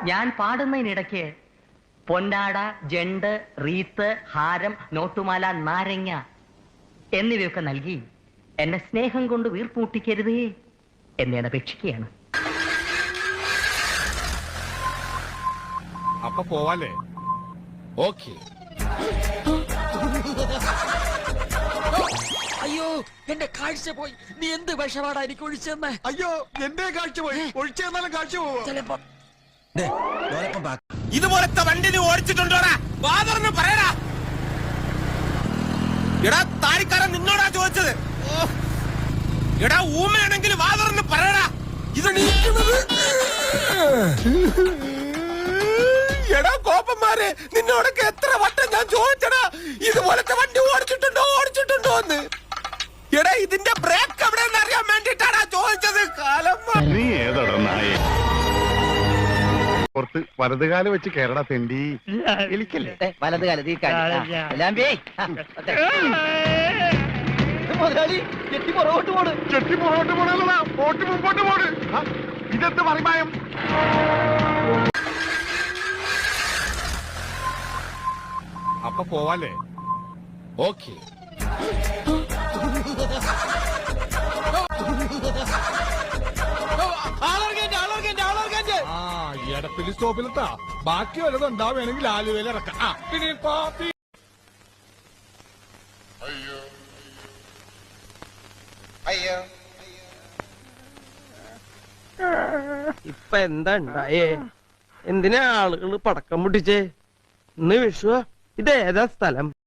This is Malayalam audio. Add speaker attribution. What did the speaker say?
Speaker 1: ഞാൻ പാടുന്നതിനിടയ്ക്ക് പൊന്നാട, ജണ്ട്, റീത്ത്, ഹാരം, നോട്ടുമാല, നാരങ്ങ എന്നിവയൊക്കെ നൽകി എന്നെ സ്നേഹം കൊണ്ട് വീർപ്പൂട്ടിക്കരുതേ എന്നെ അപേക്ഷിക്കുകയാണ്.
Speaker 2: അപ്പൊ പോവാലേ? ഓക്കെ.
Speaker 3: അയ്യോ, എന്റെ കാഴ്ച പോയി. നീ എന്ത് വിഷമാടാ എനിക്ക് ഒഴിച്ചെന്ന്?
Speaker 2: അയ്യോ, എന്റെ കാഴ്ച പോയി. ഒഴിച്ചെന്നാലും കാഴ്ച പോവാ.
Speaker 3: ചിലപ്പോ
Speaker 4: ഇതുപോലത്തെ വണ്ടി നീ ഓടിച്ചിട്ടുണ്ടോടാ? ഫാദറിന് പറയടാ. എടാ താടിക്കാരൻ നിന്നോടാ ചോദിച്ചത്. എടാ ഊമയാണെങ്കിൽ ഫാദറിന് പറയടാ. ഇത് എടാ കോപ്പന്മാരെ, നിന്നോടൊക്കെ എത്ര വട്ടം ഞാൻ ചോദിച്ചടാ ഇതുപോലത്തെ വണ്ടി ഓടിച്ചിട്ടുണ്ടോ എന്ന്. എടാ ഇതിന്റെ ബ്രേക്ക് എവിടെയെന്ന് അറിയാൻ വേണ്ടിട്ടാടാ ചോദിച്ചത്. കാലം
Speaker 2: നീ ഏതടാ നായേ? പുറത്ത് വലതുകാലം വെച്ച് കേരള തെണ്ടി എലിക്കല്ലേ?
Speaker 1: വലതുകാലത്ത് ഈ
Speaker 2: ചെട്ടി പുറകോട്ട് പോണല്ലടാ, പോട്ട് മുമ്പോട്ട് പോണ്. ഇതെന്ത് മറിമായം? അപ്പൊ പോവാലേ? ഓക്കെ. എടപ്പിലി സ്റ്റോപ്പിലെത്താ. ബാക്കി വല്ലതും ഉണ്ടാവുകയാണെങ്കിൽ ആലുവയിൽ ഇറക്കാം. പിന്നെ കോപ്പി.
Speaker 5: ഇപ്പൊ എന്താ ഉണ്ടായേ? എന്തിനാ ആളുകൾ പടക്കം പൊട്ടിച്ചേ? ഇന്ന് വിഷു. ഇതേതാ സ്ഥലം?